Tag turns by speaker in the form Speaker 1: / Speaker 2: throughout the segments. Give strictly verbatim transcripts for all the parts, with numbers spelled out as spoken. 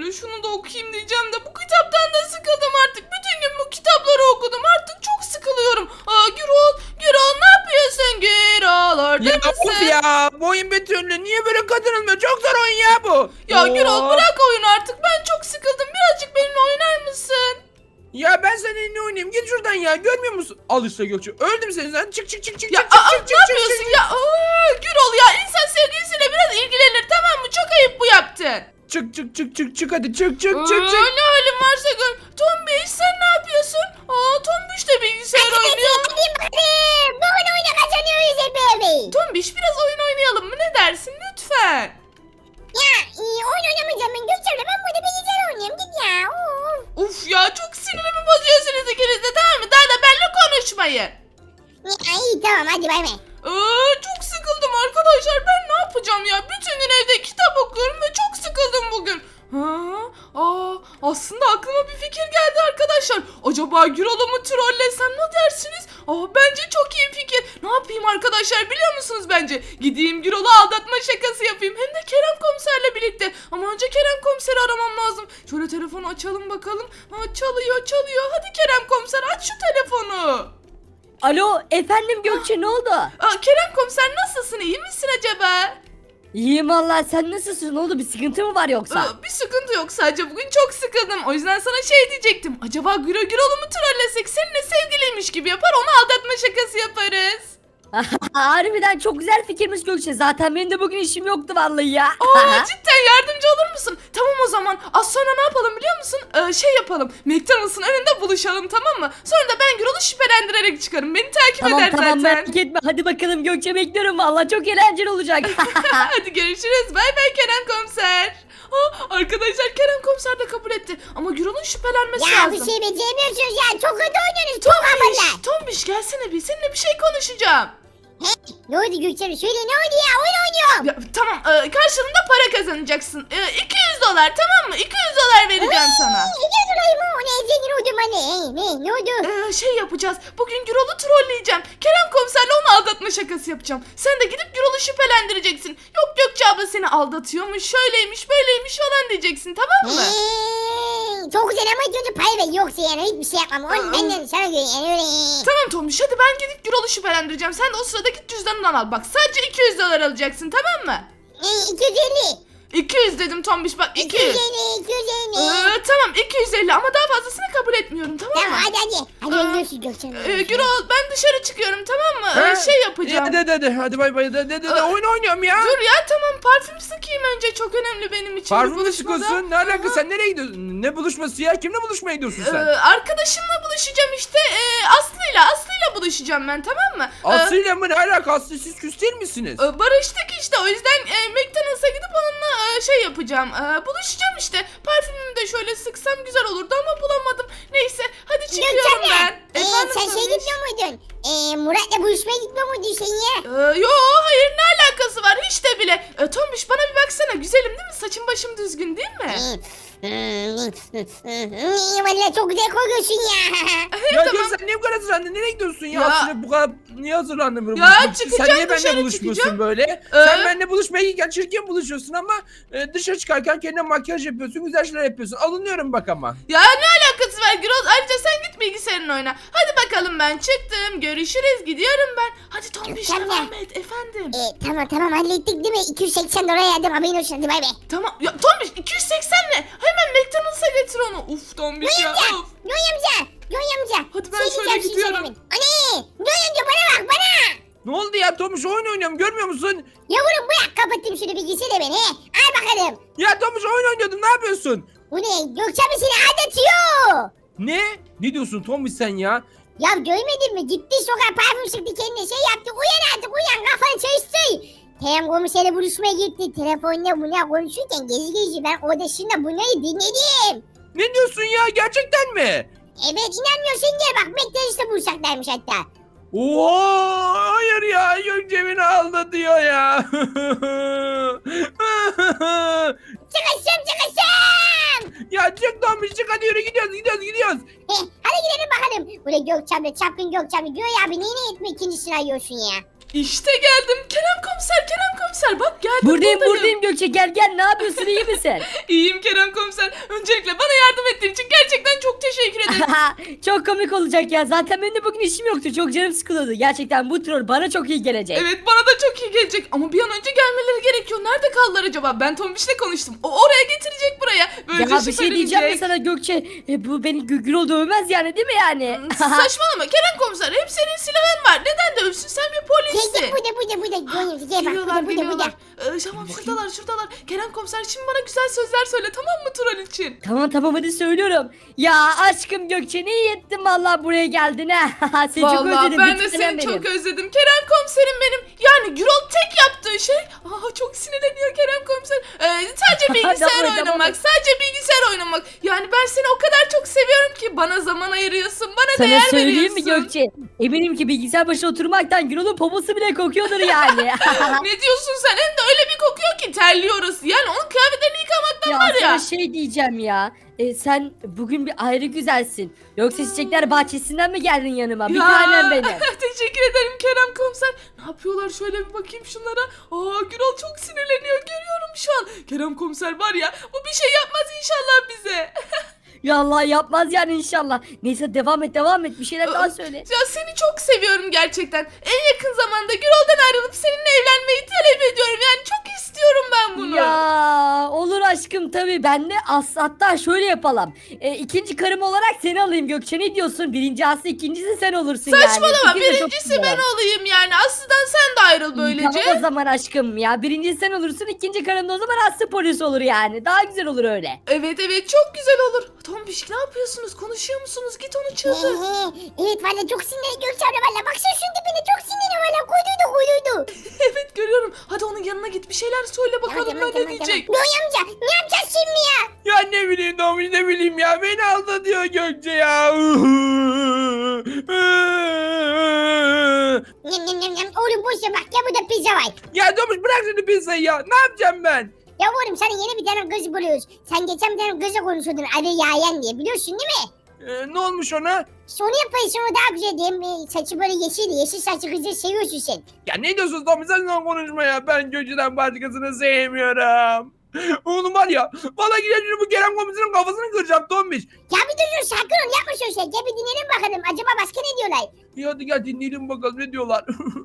Speaker 1: şöyle şunu da okuyayım diyeceğim de bu kitaptan da sıkıldım artık. Bütün gün bu kitapları okudum. Artık çok sıkılıyorum. Aa Gürol, Gürol ne yapıyorsun Gürol? Orada
Speaker 2: Ya
Speaker 1: mısın?
Speaker 2: of ya bu oyun bir türlü niye böyle kazanılmıyor? Çok zor oyun ya bu.
Speaker 1: Ya
Speaker 2: Oo.
Speaker 1: Gürol bırak oyunu artık. Ben çok sıkıldım. Birazcık benimle oynar mısın?
Speaker 2: Ya ben seninle oynayayım git şuradan ya görmüyor musun? Al işte Gökçe öldüm senin sen çık çık çık çık
Speaker 1: Ya
Speaker 2: çık
Speaker 1: aa,
Speaker 2: çık
Speaker 1: ne
Speaker 2: çık
Speaker 1: yapıyorsun
Speaker 2: çık,
Speaker 1: ya? Aa, Gürol ya insan sevgilisiyle biraz ilgilenir tamam mı? Çok ayıp bu yaptın.
Speaker 2: çık çık çık çık çık hadi çık çık
Speaker 1: Aa,
Speaker 2: çık çık.
Speaker 1: ne halin varsa gör. Tombiş sen ne yapıyorsun? Aa Tombiş de bilgisayar oynuyor.
Speaker 3: Bugün oyuna kazanıyoruz hep beraber.
Speaker 1: Tombiş biraz oyun oynayalım mı? Ne dersin lütfen?
Speaker 3: Ya e, oyun oynamayacağım ben Gökçem'le. Ben burada bilgisayar oynuyorum. Git ya. Of.
Speaker 1: Uf ya çok sinirimi bozuyorsunuz ikiniz de tamam mı? Daha da benimle konuşmayın.
Speaker 3: Ya, iyi tamam hadi bay bay.
Speaker 1: Aa, çok sıkıldım arkadaşlar. Ben ne yapacağım ya? Bütün gün evde kitap okuyorum ve çok sıkıldım bugün. Ha? Aa, aslında aklıma bir fikir geldi arkadaşlar. Acaba Gürol'u mu trollesem ne dersiniz? Aa, bence çok iyi fikir. Ne yapayım arkadaşlar biliyor musunuz bence? Gideyim Gürol'u aldatma şakası yapayım. Hem de Kerem komiserle birlikte. Ama önce Kerem komiseri aramam lazım. Şöyle telefonu açalım bakalım. Ha, çalıyor çalıyor. Hadi Kerem komiser aç şu telefonu.
Speaker 4: Alo efendim Gökçe ne oldu?
Speaker 1: Aa, Kerem komiser nasılsın? İyi misin acaba?
Speaker 4: İyiyim valla sen nasılsın ne oldu bir sıkıntı mı var yoksa?
Speaker 1: Aa, bir sıkıntı yok sadece bugün çok sıkıldım. O yüzden sana şey diyecektim. Acaba Güro Gürol'u mu trollesek seninle sevgiliymiş gibi yapar onu aldatma şakası yaparız.
Speaker 4: Harbiden çok güzel fikirmiş Gökçe zaten benim de bugün işim yoktu vallahi ya.
Speaker 1: Aa, cidden yardımcı olur musun? Tamam o zaman az sonra ne yapalım biliyor musun? Ee, şey yapalım McDonald's'ın önünde buluşalım tamam mı? Sonra da ben Gürol'u şüphelendirerek çıkarım. Beni takip
Speaker 4: Tamam
Speaker 1: eder
Speaker 4: tamam
Speaker 1: zaten.
Speaker 4: merak etme hadi bakalım Gökçe bekliyorum valla çok eğlenceli olacak.
Speaker 1: Hadi görüşürüz. Bay bay Kerem komiser. Aa, arkadaşlar Kerem komiser de kabul etti. Ama Gürol'un şüphelenmesi
Speaker 3: Ya
Speaker 1: lazım.
Speaker 3: bir şey beceremiyorsunuz ya. Çok kötü oynuyorsunuz. Çok havalı.
Speaker 1: Tombiş, Tombiş gelsene bir seninle bir şey konuşacağım.
Speaker 3: He? Ne oldu Gökçem? Söyle ne oldu ya? Oyun oynuyorum.
Speaker 1: Ya, tamam e, karşılığında para kazanacaksın. E, iki yüz dolar tamam mı? iki yüz dolar vereceğim sana.
Speaker 3: İki dolayı mı? O ne? Zengin oldum anne. Hey, ne? Ne oldu?
Speaker 1: Ee, şey yapacağız. Bugün Gürol'u trolleyeceğim. Kerem komiserle onu aldatma şakası yapacağım. Sen de gidip Gürol'u şüphelendireceksin. Yok Gökçe abla seni aldatıyormuş, şöyleymiş, böyleymiş falan diyeceksin tamam mı?
Speaker 3: Hey, çok güzel ama ilk önce pay ver. Yoksa yani hiçbir şey yapmam. Onu benden sana göre yani öyle.
Speaker 1: Tamam Tomuş hadi ben gidip Gürol'u şüphelendireceğim. Sen de o sırada git cüzdanından al. Bak sadece iki yüz dolar alacaksın tamam mı?
Speaker 3: Hey, iki yüz elli.
Speaker 1: iki yüz dedim Tombiş bak iki
Speaker 3: iki
Speaker 1: yüz.
Speaker 3: yüz elli. iki yüz elli.
Speaker 1: Ee, tamam iki yüz elli ama daha fazlasını kabul etmiyorum tamam mı?
Speaker 3: Tamam hadi hadi. Hadi
Speaker 1: Aa,
Speaker 3: öldürsün Gökçem.
Speaker 1: Ee, Gürol ben dışarı çıkıyorum tamam mı? Ee,
Speaker 2: Ha?
Speaker 1: şey yapacağım.
Speaker 2: Ya de de de hadi bay bay de de de, de
Speaker 1: Aa,
Speaker 2: oyun oynuyorum ya.
Speaker 1: Dur ya tamam parfüm sıkayım önce çok önemli benim için. bu
Speaker 2: Parfüm mü
Speaker 1: buluşmada.
Speaker 2: sıkıyorsun? Ne alaka sen nereye gidiyorsun? Ne buluşması ya? Kimle buluşmaya gidiyorsun
Speaker 1: Ee,
Speaker 2: sen?
Speaker 1: arkadaşımla buluşacağım işte ee, Aslı'yla Aslı'yla buluşacağım ben tamam mı? Ee,
Speaker 2: Aslı'yla mı ne alaka? Aslı siz küs değil misiniz?
Speaker 1: e, barıştık işte o yüzden e, McDonald's'a gidip onunla e, şey yapacağım e, buluşacağım işte parfümümü de şöyle sıksam güzel olurdu ama bulamadım neyse hadi çıkıyorum
Speaker 3: Gökçem
Speaker 1: ben.
Speaker 3: de. Ee,
Speaker 1: Efendim
Speaker 3: sen şey
Speaker 1: Tombiş?
Speaker 3: gitmiyor muydun? Ee, Murat'la buluşmaya gitmiyor muydun sen ya?
Speaker 1: Ee, yo hayır ne alakası var hiç de bile. E, Tombiş bana bir baksana güzelim değil mi saçım başım düzgün değil mi?
Speaker 3: Valla çok güzel koyuyorsun ya.
Speaker 2: Ya
Speaker 1: tamam.
Speaker 2: gel sen niye bu kadar hazırlandın? Nereye gidiyorsun ya?
Speaker 1: Ya-
Speaker 2: Aslı bu kadar niye hazırlandın böyle
Speaker 1: Ya
Speaker 2: buluşmak için?
Speaker 1: çıkacağım,
Speaker 2: Sen niye benimle
Speaker 1: dışarı
Speaker 2: buluşmuyorsun
Speaker 1: çıkacağım.
Speaker 2: böyle?
Speaker 1: Ee?
Speaker 2: Sen benimle buluşmaya giderken çirkin buluşuyorsun ama e, dışarı çıkarken kendine makyaj yapıyorsun, güzel şeyler yapıyorsun. Alınıyorum bak ama.
Speaker 1: Ya ne alakası var Gürol? Ayrıca sen git bilgisayarın oyna. Hadi bakalım ben çıktım. Görüşürüz. Gidiyorum ben. Hadi Tombiş
Speaker 3: Gökçen
Speaker 1: devam
Speaker 3: de.
Speaker 1: et efendim.
Speaker 3: Ee, tamam tamam hallettik değil mi? iki yüz seksen dolar yardım haberin olsun hadi bay bay.
Speaker 1: Tamam. Ya Tombiş iki yüz seksen ne? Hemen McDonald's'a getir onu. Uf Tombiş ya.
Speaker 3: Yoy amca.
Speaker 1: Of.
Speaker 3: Yoy amca. Yoy amca.
Speaker 1: Hadi ben
Speaker 3: Şey
Speaker 1: şöyle
Speaker 3: diyeceğim, şey
Speaker 1: gidiyorum.
Speaker 3: söylemeyin. Anne. Yoy amca bana bak bana.
Speaker 2: Ne oldu ya Tomuş oyun oynuyorum görmüyor musun?
Speaker 3: Yavrum bırak kapatayım şunu bilgisayarı beni. He. Al bakalım.
Speaker 2: Ya Tomuş oyun oynuyordum ne yapıyorsun?
Speaker 3: Bu ne? Gökçen mi seni aldatıyor?
Speaker 2: Ne? Ne diyorsun Tomuş sen ya?
Speaker 3: Ya görmedin mi? Gitti sokağa parfüm sıktı kendine şey yaptı. Uyan artık uyan kafanı çalıştır. Kerem komiserle buluşmaya gitti. Telefonla buna konuşurken gezi gezi ben odasında bunları dinledim.
Speaker 2: Ne diyorsun ya gerçekten mi?
Speaker 3: Evet inanmıyorsan gel bak McDonald's'ta buluşacaklarmış hatta.
Speaker 2: Oo, hayır ya Gökçe beni aldatıyor ya.
Speaker 3: Çıkışım çıkışım.
Speaker 2: Ya çık Tomuş çık hadi yürü gidiyoruz gidiyoruz gidiyoruz.
Speaker 3: Heh, hadi gidelim bakalım. Buraya Gökçem'le çapkın Gökçem'le. Göğe abi neyine etme ikincisini arıyorsun ya.
Speaker 1: İşte geldim. Kerem komiser, Kerem komiser. komiser bak geldim
Speaker 4: Buradayım
Speaker 1: buradayım.
Speaker 4: buradayım Gökçe, gel gel, ne yapıyorsun, iyi misin?
Speaker 1: İyiyim Kerem komiser. Öncelikle bana yardım ettiğin için gerçekten çok teşekkür ederim.
Speaker 4: Çok komik olacak ya, zaten benim de bugün işim yoktu, çok canım sıkılıyordu. Gerçekten bu troll bana çok iyi gelecek.
Speaker 1: Evet bana da çok iyi gelecek ama bir an önce gelmeleri gerekiyor. Nerede kaldılar acaba? Ben Tombiş'le konuştum. O oraya getirecek buraya. Böylece
Speaker 4: Ya bir şey diyeceğim mi
Speaker 1: şüphelenecek.
Speaker 4: sana Gökçe, e, bu beni Gürol dövmez yani, değil mi yani?
Speaker 1: Saçmalama Kerem komiser. Hep senin silahın var. Neden dövsün? Sen bir
Speaker 3: Gel
Speaker 1: polissin.
Speaker 3: gel burada burada burada. Gönyüzü gel bak
Speaker 1: Geliyorlar
Speaker 3: burada burada burada.
Speaker 1: geliyorlar. Ee, tamam şuradalar şuradalar. Kerem komiser şimdi bana güzel sözler söyle tamam mı troll için?
Speaker 4: Tamam tamam, hadi söylüyorum. Ya aşkım Gökçe, ne iyi ettin vallahi buraya geldin ha. Seni çok
Speaker 1: Vallahi
Speaker 4: özledim.
Speaker 1: ben
Speaker 4: bir
Speaker 1: de
Speaker 4: tanem
Speaker 1: seni
Speaker 4: benim.
Speaker 1: çok özledim. Kerem komiserim benim. Yani Gürol tek yaptığı şey. Aa, çok sinirleniyor Kerem komiser. Ee, sadece bilgisayar
Speaker 4: Tamam,
Speaker 1: oynamak.
Speaker 4: tamam.
Speaker 1: Sadece bilgisayar oynamak. Yani ben seni o kadar çok seviyorum ki bana zaman ayırıyorsun. Bana
Speaker 4: Sana
Speaker 1: değer
Speaker 4: söyleyeyim mi
Speaker 1: veriyorsun.
Speaker 4: Gökçe? Eminim ki bilgisayar başına oturmaktan Gürol'un poposu bile kokuyordur yani.
Speaker 1: Ne diyorsun sen? Hem de öyle bir kokuyor ki terliyor orası. Yani onun kıyafetlerini yıkamaktan
Speaker 4: Ya
Speaker 1: var ya.
Speaker 4: sana şey diyeceğim ya. E, sen bugün bir ayrı güzelsin. Yoksa çiçekler bahçesinden mi geldin yanıma? Bir
Speaker 1: Ya,
Speaker 4: tanem benim.
Speaker 1: Teşekkür ederim Kerem komiser. Ne yapıyorlar şöyle bir bakayım şunlara. Aa Gürol çok sinirleniyor görüyorum şu an. Kerem komiser var ya bu bir şey yapmaz inşallah bize.
Speaker 4: Ya Allah, yapmaz yani inşallah. Neyse devam et devam et, bir şeyler daha söyle.
Speaker 1: Ya seni çok seviyorum gerçekten. En yakın zamanda Gürol'dan ayrılıp seninle evlenmeyi talep ediyorum. Yani çok istiyorum ben bunu.
Speaker 4: Ya olur aşkım, tabii ben de as hatta şöyle yapalım. E, ikinci karım olarak seni alayım Gökçe, ne diyorsun? Birinci Aslı, ikincisi sen olursun yani.
Speaker 1: Saçmalama
Speaker 4: İkisi de çok
Speaker 1: birincisi
Speaker 4: güzel.
Speaker 1: ben olayım yani. Aslı'dan sen de ayrıl böylece.
Speaker 4: Tamam o zaman aşkım ya. Birinci sen olursun, ikinci karım da o zaman Aslı polis olur yani. Daha güzel olur öyle.
Speaker 1: Evet evet çok güzel olur. Tombiş ne yapıyorsunuz? Konuşuyor musunuz? Git onu çıldır.
Speaker 3: Evet valla çok sinirli Gökçe abla valla. Baksana şunun dibine çok sinirli valla. Koyduydu koyduydu.
Speaker 1: Evet görüyorum. Hadi onun yanına git bir şeyler söyle bakalım ben ne diyecek.
Speaker 3: Göğe amca ne yapacağız şimdi ya?
Speaker 2: Ya ne bileyim Tombiş ne bileyim ya. Beni aldatıyor Gökçe ya.
Speaker 3: Nem nem nem nem. Oğlum boş ver bak ya burada pizza var.
Speaker 2: Ya Tombiş bırak şimdi pizzayı ya. Ne yapacağım ben?
Speaker 3: Ya oğlum sana yeni bir tane kız buluyoruz. Sen geçen bir tane kızla konuşuyordun adı Yayan diye biliyorsun değil mi?
Speaker 2: Ee, ne olmuş ona?
Speaker 3: İşte onu yapayım sonra daha güzel diyeyim. Ee, Saçı böyle yeşil yeşil saçlı kızı seviyorsun sen.
Speaker 2: Ya ne diyorsun Tombiş sen lan konuşma ya. Ben Gökçe'den başkasını sevmiyorum. Oğlum var ya. Valla gideceğim bu Kerem komiserin kafasını kıracağım Tombiş.
Speaker 3: Ya bir dur dur sakin ol yapma şöyle şey. Gel bir dinleyelim bakalım acaba başka ne diyorlar?
Speaker 2: İyi hadi gel dinleyelim bakalım ne diyorlar.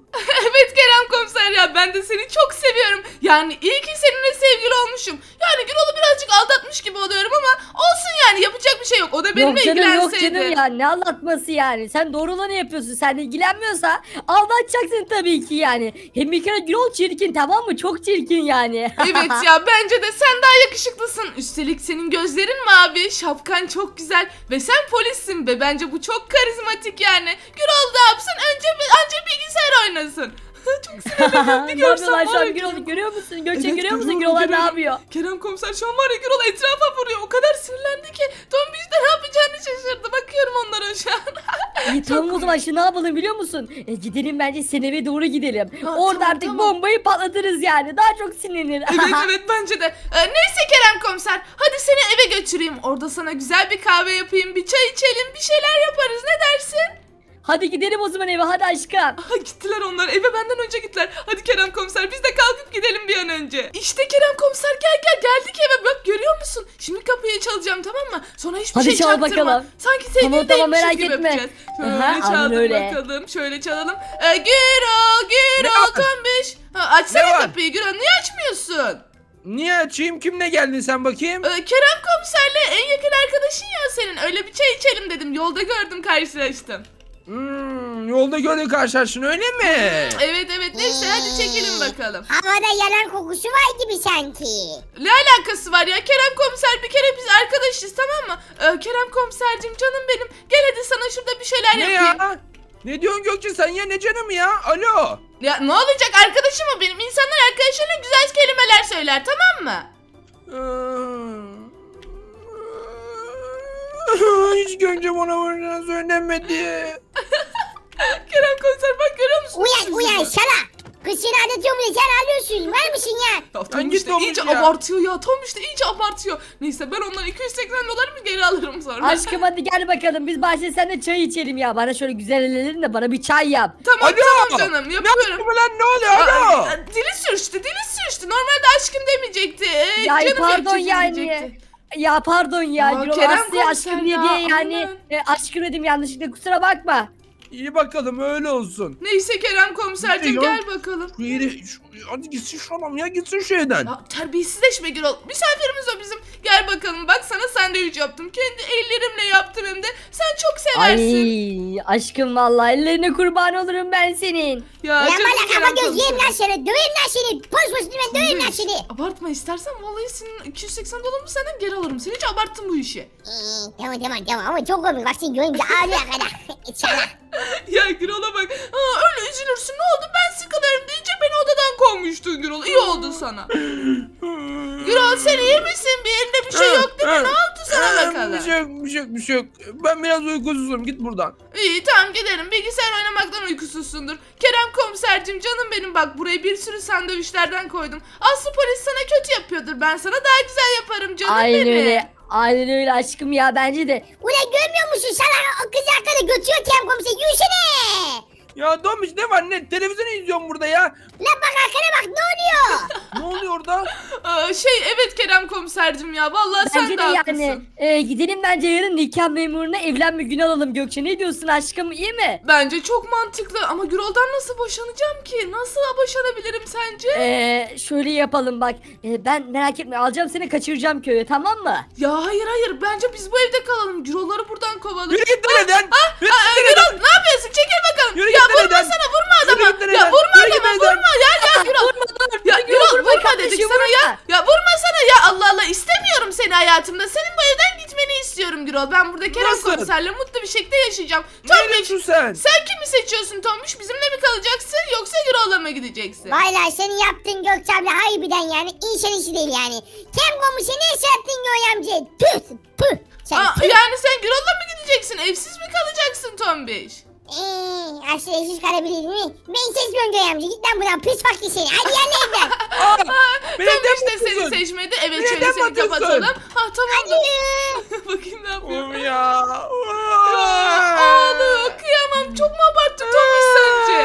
Speaker 1: Evet Kerem komiser ya ben de seni çok seviyorum. Yani iyi ki seninle sevgili olmuşum. Yani Gürol'u birazcık aldatmış gibi oluyorum ama olsun yani yapacak bir şey yok. O da benimle
Speaker 4: Yok canım yok
Speaker 1: ilgilenseydi.
Speaker 4: canım ya, ne anlatması yani. Sen doğru olanı yapıyorsun. Sen ilgilenmiyorsa aldatacaksın tabii ki yani. Hem bir kere Gürol çirkin, tamam mı? Çok çirkin yani.
Speaker 1: Evet ya bence de sen daha yakışıklısın. Üstelik senin gözlerin mavi, şapkan çok güzel ve sen polissin be. Bence bu çok karizmatik yani. Gürol da yapsın önce anca bilgisayar oynasın. Çok sinirleniyorum bir
Speaker 4: Ne yapıyorlar
Speaker 1: görsen
Speaker 4: şu
Speaker 1: var
Speaker 4: an?
Speaker 1: ya.
Speaker 4: Gürol'u görüyor musun? Gökçe
Speaker 1: Evet,
Speaker 4: görüyor musun?
Speaker 1: görüyorum,
Speaker 4: Gürol'lar ne
Speaker 1: görüyorum.
Speaker 4: yapıyor?
Speaker 1: Kerem komiser şu an var ya Gürol etrafa vuruyor. O kadar sinirlendi ki Tombiş de ne yapacağını şaşırdı. Bakıyorum onlara şu an.
Speaker 4: İyi tamam o zaman şimdi ne yapalım biliyor musun? E, gidelim bence senin eve doğru gidelim.
Speaker 1: Ha,
Speaker 4: Orada
Speaker 1: tamam,
Speaker 4: artık
Speaker 1: tamam.
Speaker 4: bombayı patlatırız yani. Daha çok sinirlenir.
Speaker 1: Evet evet bence de. Ee, neyse Kerem komiser hadi seni eve götüreyim. Orada sana güzel bir kahve yapayım. Bir çay içelim bir şeyler yaparız ne dersin?
Speaker 4: Hadi gidelim o zaman eve, hadi aşkım.
Speaker 1: Aha, gittiler onlar eve benden önce gittiler. Hadi Kerem komiser biz de kalkıp gidelim bir an önce. İşte Kerem komiser gel gel geldik eve bak görüyor musun? Şimdi kapıyı çalacağım tamam mı? Sonra hiçbir
Speaker 4: Hadi
Speaker 1: şey
Speaker 4: çal
Speaker 1: çaktırma.
Speaker 4: bakalım.
Speaker 1: Sanki
Speaker 4: Tamam,
Speaker 1: sevgili
Speaker 4: tamam,
Speaker 1: değilmişiz
Speaker 4: merak
Speaker 1: gibi
Speaker 4: etme.
Speaker 1: yapacağız. Şöyle
Speaker 4: Aha, aynen
Speaker 1: çaldım
Speaker 4: öyle.
Speaker 1: bakalım şöyle çalalım. Ee, Gürol
Speaker 2: Ne
Speaker 1: Gürol
Speaker 2: var?
Speaker 1: Tombiş. Ha, açsana
Speaker 2: Ne var?
Speaker 1: kapıyı Gürol niye açmıyorsun?
Speaker 2: Niye açayım? Kimle geldin sen bakayım?
Speaker 1: Ee, Kerem komiserle en yakın arkadaşın ya senin. Öyle bir çay içelim dedim. Yolda gördüm karşılaştım.
Speaker 2: Hmm, yolda gördük karşılaştın öyle mi?
Speaker 1: Evet evet neyse hadi çekelim bakalım.
Speaker 3: Havada yalan kokusu var gibi sanki.
Speaker 1: Ne alakası var ya Kerem komiser bir kere biz arkadaşız tamam mı? Ee, Kerem komisercim canım benim. Gel hadi sana şurada bir şeyler
Speaker 2: Ne
Speaker 1: yapayım.
Speaker 2: ya? Ne diyorsun Gökçe sen ya ne canım ya? Alo.
Speaker 1: Ya ne olacak arkadaşım o benim. İnsanlar arkadaşlarına güzel kelimeler söyler tamam mı?
Speaker 2: Hiç Gökçe bana bunu söylemedi.
Speaker 1: Kerem komiser bak görüyor musun?
Speaker 3: Uyan uyan şala. Kız seni aldatıyor mu diye sen alıyorsun. Var mısın ya?
Speaker 1: Ya Tomuş
Speaker 2: git
Speaker 1: da
Speaker 2: Tomuş
Speaker 1: iyice
Speaker 2: ya.
Speaker 1: abartıyor ya. Tomuş da iyice abartıyor. Neyse ben ondan iki yüz seksen doları mı geri alırım sonra.
Speaker 4: Aşkım hadi gel bakalım biz bahçede seninle çay içelim ya. Bana şöyle güzel ellerin de bana bir çay yap.
Speaker 1: Tamam
Speaker 2: Alo.
Speaker 1: tamam canım
Speaker 2: Ne
Speaker 1: yapıyorum.
Speaker 2: yaptın lan ne oluyor?
Speaker 1: Aa,
Speaker 2: Alo.
Speaker 1: aa, dili sürçtü dili sürçtü. Normalde aşkım demeyecekti. Ee,
Speaker 4: Ya
Speaker 1: canım
Speaker 4: pardon
Speaker 1: benim
Speaker 4: yani.
Speaker 1: diyecekti.
Speaker 4: Ya pardon ya.
Speaker 1: Aa,
Speaker 4: Gürol
Speaker 1: Kerem
Speaker 4: Aslı'ya
Speaker 1: komiser
Speaker 4: aşkım diye
Speaker 1: ya,
Speaker 4: diye yani.
Speaker 1: aman.
Speaker 4: E, aşkım dedim yanlışlıkla kusura bakma.
Speaker 2: İyi bakalım öyle olsun.
Speaker 1: Neyse Kerem komiserciğim
Speaker 2: Ne ya?
Speaker 1: gel bakalım.
Speaker 2: Şu yeri, şu, hadi gitsin şu adam ya gitsin şu evden.
Speaker 1: Ya terbiyesizleşme Gürol. Misafirimiz o bizim. Gel bakalım bak sana sandviç yaptım. Kendi ellerimle yaptım hem de. Sen çok seversin.
Speaker 4: Ay aşkım vallahi ellerine kurban olurum ben senin.
Speaker 1: Ya
Speaker 3: Lan
Speaker 1: canım
Speaker 3: bana
Speaker 1: Kerem
Speaker 3: kafa göz yiyeyim
Speaker 1: komiserim.
Speaker 3: lan seni. Döveyim lan seni. Poz poz ben döveyim lan seni.
Speaker 1: Abartma istersen vallahi senin iki yüz seksen dolarımı senden geri alırım. Sen hiç abarttın bu işi.
Speaker 3: Ee, tamam tamam tamam ama çok komik. Bak seni görünce ağlıyor kadar. İnşallah.
Speaker 1: Ya Gürol'a bak. Aa, öyle üzülürsün ne oldu ben sıkılıyorum deyince beni odadan kovmuştun Gürol. İyi oldu sana. Gürol sen iyi misin? Bir elinde bir şey yok değil mi? Ne oldu sana
Speaker 2: Ee,
Speaker 1: bakalım?
Speaker 2: Bir şey yok bir şey yok bir şey yok. Ben biraz uykusuzum git buradan.
Speaker 1: İyi tamam gidelim. Bilgisayar oynamaktan uykusuzsundur. Kerem komisercim canım benim bak buraya bir sürü sandviçlerden koydum. Aslı polis sana kötü yapıyordur. Ben sana daha güzel yaparım canım
Speaker 4: Aynen
Speaker 1: benim.
Speaker 4: öyle. Aynen öyle aşkım ya bence de.
Speaker 3: Ulan görmüyor musun? Sana o kız arkada götürüyor Kerem komiser. Yürüsene.
Speaker 2: Ya Tomuş ne var ne televizyon izliyorum burada ya.
Speaker 3: Lan bak arkana bak ne oluyor?
Speaker 2: Ne oluyor orada?
Speaker 1: Aa, şey evet Kerem komisercim ya. Vallahi sen
Speaker 4: Bence
Speaker 1: de
Speaker 4: de
Speaker 1: haklısın.
Speaker 4: yani e, gidelim bence yarın nikah memuruna evlenme günü alalım Gökçe. Ne diyorsun aşkım iyi mi?
Speaker 1: Bence çok mantıklı ama Gürol'dan nasıl boşanacağım ki? Nasıl boşanabilirim sence?
Speaker 4: Ee, şöyle yapalım bak. Ee, ben merak etme alacağım seni kaçıracağım köye tamam mı?
Speaker 1: Ya hayır hayır bence biz bu evde kalalım. Gürol'ları buradan kovalım.
Speaker 2: Yürü git lan evden. Yürü
Speaker 1: Aa,
Speaker 2: git lan
Speaker 1: Gürol
Speaker 2: evden.
Speaker 1: ne yapıyorsun? Çekil bakalım.
Speaker 2: Yürü
Speaker 1: ya
Speaker 2: git lan
Speaker 1: vurma
Speaker 2: evden.
Speaker 1: sana vurma
Speaker 2: Yürü
Speaker 1: adama.
Speaker 2: git lan
Speaker 1: Ya
Speaker 2: evden.
Speaker 1: vurma
Speaker 2: Yürü git
Speaker 1: adama
Speaker 2: evden.
Speaker 1: vurma ya ya Gürol.
Speaker 4: Vurma dur.
Speaker 1: Ya
Speaker 4: Dur,
Speaker 1: Gürol
Speaker 4: vurma
Speaker 1: vurma dedik
Speaker 4: kardeşim,
Speaker 1: sana ya.
Speaker 4: vurma.
Speaker 1: Ya vurma sana ya Allah Allah istemiyorum seni hayatımda. Senin bu evden gitmeni istiyorum Gürol. Ben burada Kerem
Speaker 2: Nasıl?
Speaker 1: komiserle mutlu bir şekilde yaşayacağım.
Speaker 2: Ne
Speaker 1: Tombiş
Speaker 2: diyorsun sen?
Speaker 1: sen kimi seçiyorsun Tombiş? Bizimle mi kalacaksın yoksa Gürol'la mı gideceksin?
Speaker 3: Valla senin yaptığın Gökçe abla harbiden yani insan işi değil yani. Kerem komiser ne iş yaptın Göğe amca? Püh püh. Sen
Speaker 1: Aa,
Speaker 3: püh.
Speaker 1: yani sen Gürol'la mı gideceksin? Evsiz mi kalacaksın Tombiş?
Speaker 3: Eee aslında eşsiz kalabilir mi? Ben seçmiyorum Göğe amca. Git lan buradan pis fakir seni. Hadi yerle evden.
Speaker 2: Aa, beni
Speaker 1: Tombiş
Speaker 2: neden
Speaker 1: de seni
Speaker 2: bakıyorsun?
Speaker 1: seçmedi. Evet
Speaker 2: Beni
Speaker 1: şöyle
Speaker 2: neden
Speaker 1: seni
Speaker 2: bakıyorsun?
Speaker 1: kapatalım. Ha tamam da.
Speaker 3: Hadi.
Speaker 1: Bakayım ne yapıyor.
Speaker 2: Oğlum ya.
Speaker 1: Aa, Ağlıyor kıyamam. Çok mu abarttın Tombiş sence?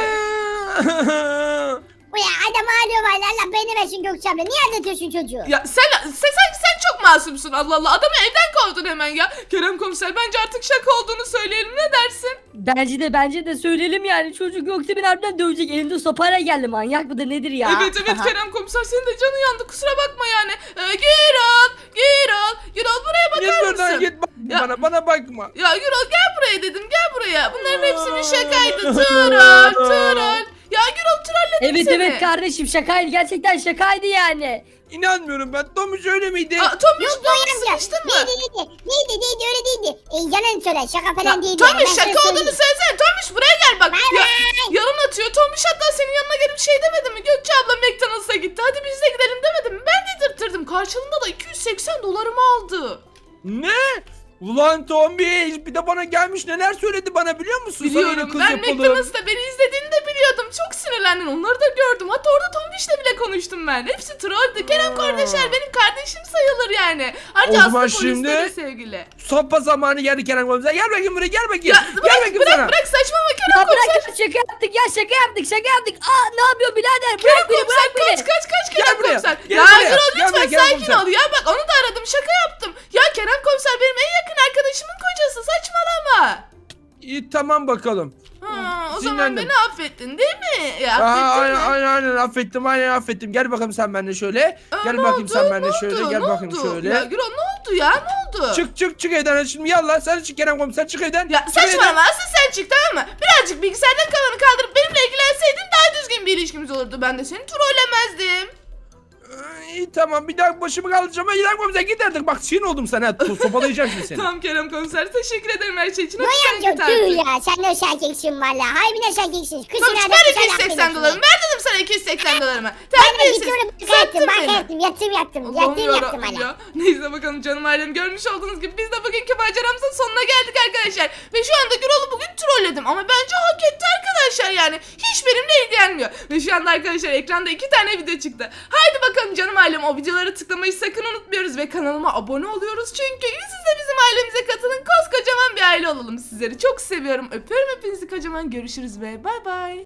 Speaker 3: Uya adam ağlıyor valla. Allah beni versin Gökçe abla. Niye aldatıyorsun çocuğu?
Speaker 1: Ya sen, sen, sen, sen çok masumsun Allah Allah. Adamı evden kovdun hemen ya. Kerem komiser bence artık şaka olduğunu söyleyelim ne dersin?
Speaker 4: Bence de bence de söyleyelim yani çocuk yoksa beni harbiden dövecek. Elinde sopayla geldi manyak mıdır nedir ya?
Speaker 1: Evet evet Kerem komiser senin de canın yandı kusura bakma yani. Ee, Gürol, Gürol, Gürol buraya
Speaker 2: Git
Speaker 1: bakar
Speaker 2: buradan
Speaker 1: mısın?
Speaker 2: git bak
Speaker 1: Ya-
Speaker 2: bana bana bakma.
Speaker 1: Ya Gürol gel buraya dedim gel buraya. Bunların hepsi bir şakaydı. Troll, troll. Ya Gürol trolledim
Speaker 4: Evet
Speaker 1: seni.
Speaker 4: evet kardeşim şakaydı gerçekten şakaydı yani.
Speaker 2: İnanmıyorum ben. Tomuş öyle miydi?
Speaker 1: Aa, Tomiş,
Speaker 3: Yok
Speaker 1: Tomiş
Speaker 3: Göğe amca.
Speaker 1: sıkıştın mı?
Speaker 3: Neydi neydi? Neydi neydi öyle değildi. E, yalan söyle. Şaka falan
Speaker 1: Ya,
Speaker 3: değildi. yani.
Speaker 1: Tomiş
Speaker 3: Ben sana
Speaker 1: şaka olduğunu
Speaker 3: söyleyeyim.
Speaker 1: söylesene. Tomiş buraya gel bak.
Speaker 3: Bay
Speaker 1: Ya,
Speaker 3: bay.
Speaker 1: yalan atıyor. Tomiş hatta senin yanına gelip şey demedi mi? Gökçe abla McDonald's'a gitti. Hadi biz de gidelim demedi mi? Ben dedirttirdim. Karşılığında da iki yüz seksen dolarımı aldı.
Speaker 2: Ne? Ulan Tombiş bir de bana gelmiş neler söyledi bana biliyor musun? Sana yine
Speaker 1: Biliyorum
Speaker 2: kız
Speaker 1: ben
Speaker 2: yapalım.
Speaker 1: McDonald's'ta beni izlediğini de biliyordum. Çok sinirlendin. Onları da gördüm. Hatta orada Tombiş'le bile konuştum ben. Hepsi trolldü. Kerem
Speaker 2: Aa.
Speaker 1: kardeşler benim kardeşim sayılır yani. Ayrıca
Speaker 2: O zaman
Speaker 1: Aslı polisle
Speaker 2: şimdi-
Speaker 1: de sevgili.
Speaker 2: Sopa zamanı geldi Kerem komiser. Gel bakayım buraya gel bakayım.
Speaker 1: Ya
Speaker 2: gel
Speaker 1: bırak
Speaker 2: bakayım
Speaker 1: bırak
Speaker 2: sana.
Speaker 1: bırak saçmalama Kerem
Speaker 4: Ya
Speaker 1: komiser.
Speaker 4: bırak şaka yaptık ya şaka yaptık şaka yaptık. Aa ne yapıyor birader
Speaker 1: Kerem
Speaker 4: bırak beni
Speaker 1: komiser
Speaker 4: bırak beni.
Speaker 1: kaç kaç kaç
Speaker 2: Gel
Speaker 1: Kerem
Speaker 2: buraya,
Speaker 1: komiser.
Speaker 2: gel
Speaker 1: Ya
Speaker 2: buraya,
Speaker 1: Gürol
Speaker 2: gel buraya
Speaker 1: lütfen
Speaker 2: Kerem
Speaker 1: sakin
Speaker 2: komiser.
Speaker 1: ol ya. Bak onu da aradım şaka yaptım. Ya Kerem komiser benim en yakın arkadaşımın kocası saçmalama.
Speaker 2: İyi tamam bakalım.
Speaker 1: Ha, o zaman
Speaker 2: Sinirlendim.
Speaker 1: beni affettin değil mi? Ya,
Speaker 2: Aa,
Speaker 1: affettin
Speaker 2: aynen,
Speaker 1: mi?
Speaker 2: aynen aynen affettim aynen affettim. Gel bakalım sen benimle şöyle.
Speaker 1: Aa,
Speaker 2: Gel
Speaker 1: ne
Speaker 2: bakayım
Speaker 1: oldu?
Speaker 2: sen benimle
Speaker 1: Ne
Speaker 2: şöyle.
Speaker 1: oldu?
Speaker 2: Gel
Speaker 1: Ne
Speaker 2: bakayım
Speaker 1: oldu?
Speaker 2: şöyle.
Speaker 1: Ya Gürol ne oldu ya ne oldu?
Speaker 2: Çık çık çık evden şimdi yallah sen çık Kerem komiser çık evden.
Speaker 1: Ya
Speaker 2: Çık evden.
Speaker 1: saçmalama asıl sen çık tamam mı? Birazcık bilgisayardan kalanı kaldırıp benimle ilgilenseydin daha düzgün bir ilişkimiz olurdu. Ben de seni trollemezdim.
Speaker 2: Ee, İyi tamam bir daha başımı kaldıracağım. Kerem komiser git artık bak sinir oldum sana. So- Sopalayacağım şimdi seni.
Speaker 1: Tamam Kerem komiser teşekkür ederim her şey için. Hadi
Speaker 3: Göğe
Speaker 1: sen
Speaker 3: amca
Speaker 1: git artık.
Speaker 3: tüh ya. Sen de şerkeksin valla. Harbiden şerkeksin. Kızın
Speaker 1: Sonuç
Speaker 3: adı
Speaker 1: ver
Speaker 3: güzel
Speaker 1: iki yüz seksen
Speaker 3: affedersin.
Speaker 1: dolarımı. Ver dedim sana bana iki yüz seksen dolarımı.
Speaker 3: Ben de
Speaker 1: Terbiyesiz.
Speaker 3: gidiyorum.
Speaker 1: Sattın
Speaker 3: Bak
Speaker 1: beni.
Speaker 3: yattım yatım yattım.
Speaker 1: Allah'ım
Speaker 3: Yatım yattım
Speaker 1: yarabbim
Speaker 3: hala.
Speaker 1: ya. Neyse bakalım canım ailem, görmüş olduğunuz gibi biz de bugünkü maceramızın sonuna geldik arkadaşlar. Ve şu anda Gürol'u bugün trolledim ama bence hak etti arkadaşlar yani. Hiç benimle ilgilenmiyor. Ve şu anda arkadaşlar ekranda iki tane video çıktı. Haydi bakalım canım ailem, o videolara tıklamayı sakın unutmuyoruz ve kanalıma abone oluyoruz. Çünkü siz de bizim ailemize katılın, koskocaman bir aile olalım. Sizleri çok seviyorum. Öpüyorum hepinizi kocaman. Görüşürüz ve bay bay.